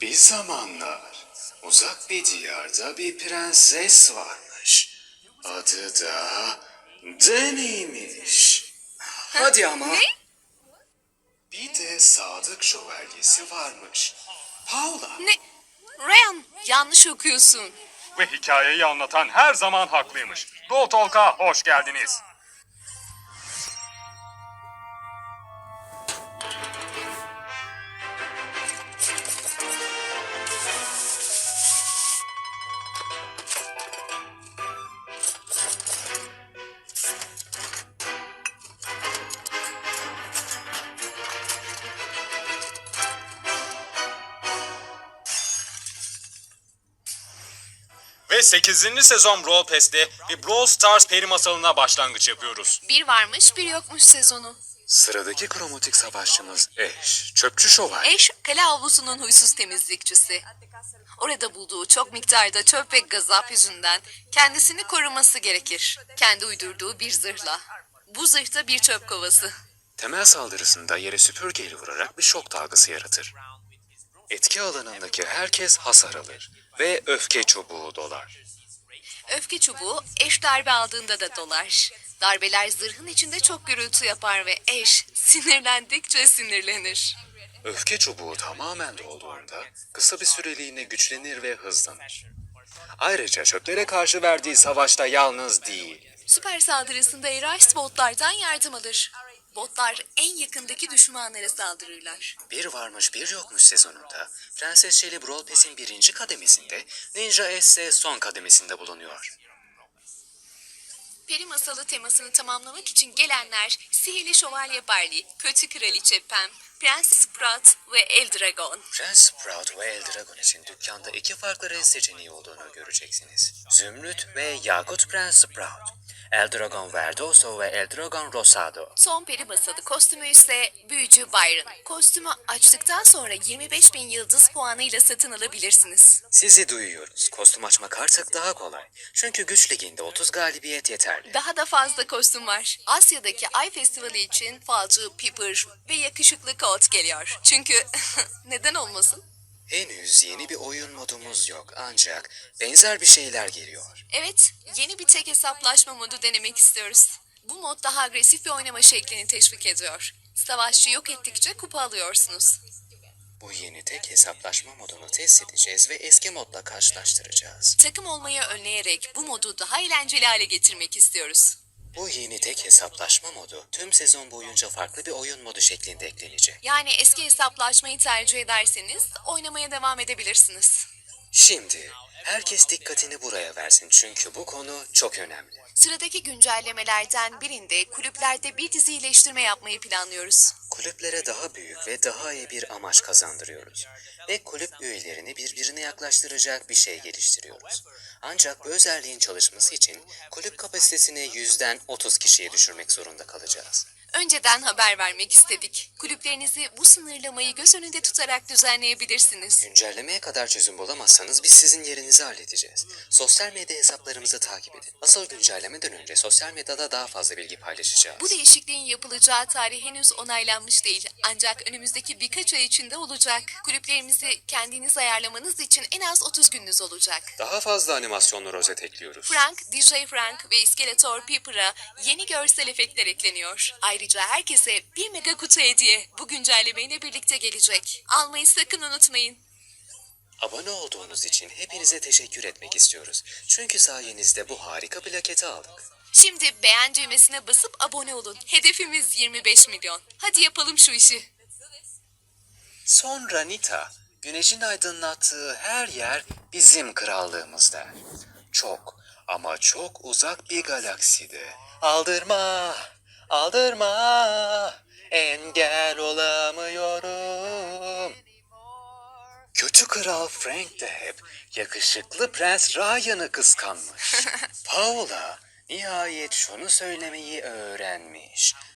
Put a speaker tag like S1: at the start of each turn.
S1: Bir zamanlar uzak bir diyarda bir prenses varmış. Adı da Deni'ymiş. Hadi ama.
S2: Ne?
S1: Bir de sadık şövalyesi varmış. Paula.
S2: Ne? Ryan, yanlış okuyorsun.
S3: Ve hikayeyi anlatan her zaman haklıymış. Doğu Talk'a hoş geldiniz. Ve 8. sezon Brawl Pass'te bir Brawl Stars peri masalına başlangıç yapıyoruz.
S2: Bir varmış, bir yokmuş sezonu.
S1: Sıradaki kromatik savaşçımız Ash. Çöpçü şövalye.
S2: Ash, kale avlusunun huysuz temizlikçisi. Orada bulduğu çok miktarda çöp ve gazap yüzünden kendisini koruması gerekir. Kendi uydurduğu bir zırhla. Bu zırh da bir çöp kovası.
S1: Temel saldırısında yere süpürgeyle vurarak bir şok dalgası yaratır. Etki alanındaki herkes hasar alır ve öfke çubuğu dolar.
S2: Öfke çubuğu Ash darbe aldığında da dolar. Darbeler zırhın içinde çok gürültü yapar ve Ash sinirlendikçe sinirlenir.
S1: Öfke çubuğu tamamen dolduğunda kısa bir süreliğine güçlenir ve hızlanır. Ayrıca çöplere karşı verdiği savaşta yalnız değil.
S2: Süper saldırısında Erash botlardan yardım alır. Botlar en yakındaki düşmanlara saldırırlar.
S1: Bir varmış bir yokmuş sezonunda Prenses Shelly Brawl Pass'in 1. kademesinde, Ninja Ash ise son kademesinde bulunuyor.
S2: Peri masalı temasını tamamlamak için gelenler Sihirli Şövalye Barley, Kötü Kraliçe Pam, Prens Sprout ve El Dragon.
S1: Prens Sprout ve El Dragon için dükkanda iki farklı renk seçeneği olduğunu göreceksiniz. Zümrüt ve Yakut Prens Sprout. El Dragon Verdoso ve El Dragon Rosado.
S2: Son peri masalı kostümü ise Büyücü Byron. Kostümü açtıktan sonra 25.000 yıldız puanıyla satın alabilirsiniz.
S1: Sizi duyuyoruz. Kostüm açmak artık daha kolay. Çünkü güç liginde 30 galibiyet yeterli.
S2: Daha da fazla kostüm var. Asya'daki Ay Festivali için falcı Piper ve yakışıklı Colt geliyor. Çünkü neden olmasın?
S1: Henüz yeni bir oyun modumuz yok ancak benzer bir şeyler geliyor.
S2: Evet, yeni bir tek hesaplaşma modu denemek istiyoruz. Bu mod daha agresif bir oynama şeklini teşvik ediyor. Savaşçı yok ettikçe kupa alıyorsunuz.
S1: Bu yeni tek hesaplaşma modunu test edeceğiz ve eski modla karşılaştıracağız.
S2: Takım olmayı önleyerek bu modu daha eğlenceli hale getirmek istiyoruz.
S1: Bu yeni tek hesaplaşma modu tüm sezon boyunca farklı bir oyun modu şeklinde eklenecek.
S2: Yani eski hesaplaşmayı tercih ederseniz oynamaya devam edebilirsiniz.
S1: Şimdi herkes dikkatini buraya versin çünkü bu konu çok önemli.
S2: Sıradaki güncellemelerden birinde kulüplerde bir dizi iyileştirme yapmayı planlıyoruz.
S1: Kulüplere daha büyük ve daha iyi bir amaç kazandırıyoruz. Ve kulüp üyelerini birbirine yaklaştıracak bir şey geliştiriyoruz. Ancak bu özelliğin çalışması için kulüp kapasitesini 100'den 30 kişiye düşürmek zorunda kalacağız.
S2: Önceden haber vermek istedik. Kulüplerinizi bu sınırlamayı göz önünde tutarak düzenleyebilirsiniz.
S1: Güncellemeye kadar çözüm bulamazsanız biz sizin yerinizi halledeceğiz. Sosyal medya hesaplarımızı takip edin. Asıl güncellemeden önce sosyal medyada daha fazla bilgi paylaşacağız.
S2: Bu değişikliğin yapılacağı tarih henüz onaylanmış değil. Ancak önümüzdeki birkaç ay içinde olacak. Kulüplerimizi kendiniz ayarlamanız için en az 30 gününüz olacak.
S1: Daha fazla animasyonlu rozet ekliyoruz.
S2: Frank, DJ Frank ve İskeletor Pepper'a yeni görsel efektler ekleniyor. Ayrıca herkese bir mega kutu hediye bu güncellemeyle birlikte gelecek. Almayı sakın unutmayın.
S1: Abone olduğunuz için hepinize teşekkür etmek istiyoruz. Çünkü sayenizde bu harika plaketi aldık.
S2: Şimdi beğen düğmesine basıp abone olun. Hedefimiz 25 milyon. Hadi yapalım şu işi.
S1: Sonra Nita, güneşin aydınlattığı her yer bizim krallığımız der. Çok ama çok uzak bir galakside. Aldırma, aldırma, engel olamıyorum. Kötü kral Frank de hep yakışıklı Prens Ryan'ı kıskanmış. Paula nihayet şunu söylemeyi öğrenmiş.